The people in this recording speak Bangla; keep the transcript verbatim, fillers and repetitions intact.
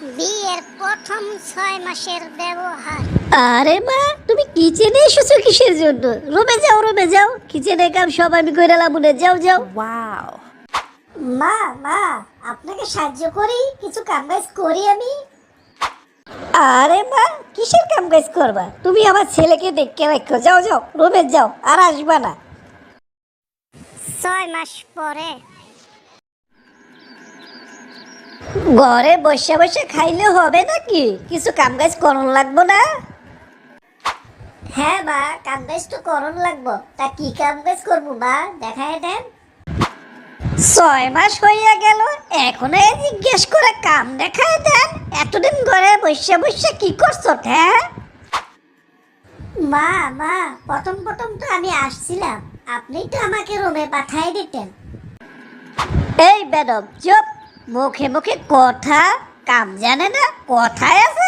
বিয়ের প্রথম ছয় মাসের ব্যবহার। আরে মা, তুমি কিচেনে এসেছো কিসের জন্য? রুমে যাও, রুমে যাও, কিচেনে কাম সব আমি কইরা লাবুনে, যাও যাও। ওয়াও। মা মা আপনাকে সাহায্য করি, কিছু কাম কাজ করি আমি। আরে মা, কিসের কাম কাজ করবা? তুমি আমার ছেলেকে দেখে রাখো, যাও যাও, রুমে যাও, আর আসবা না। ছয় মাস পরে। ঘরে বসে বসে খাইলে হবে নাকি? কিছু কাম কাজ করন লাগবো না? হ্যাঁ মা, কাম কাজ তো করন লাগবো। তা কি কাম কাজ করবো মা, দেখায় দেন। ছয় মাস হইয়া গেল, এখনো এ জিজ্ঞেস করে কাম দেখায় দেন? এতদিন ঘরে বসে বসে কি করছো? হ্যাঁ মা মা প্রথম প্রথম তো আমি আসছিলাম, আপনি তো আমাকে রুমে পাঠাই দিতেন। এই বেদব চুপ, মুখে মুখে কথা, কাম জানে না, কথায় আছে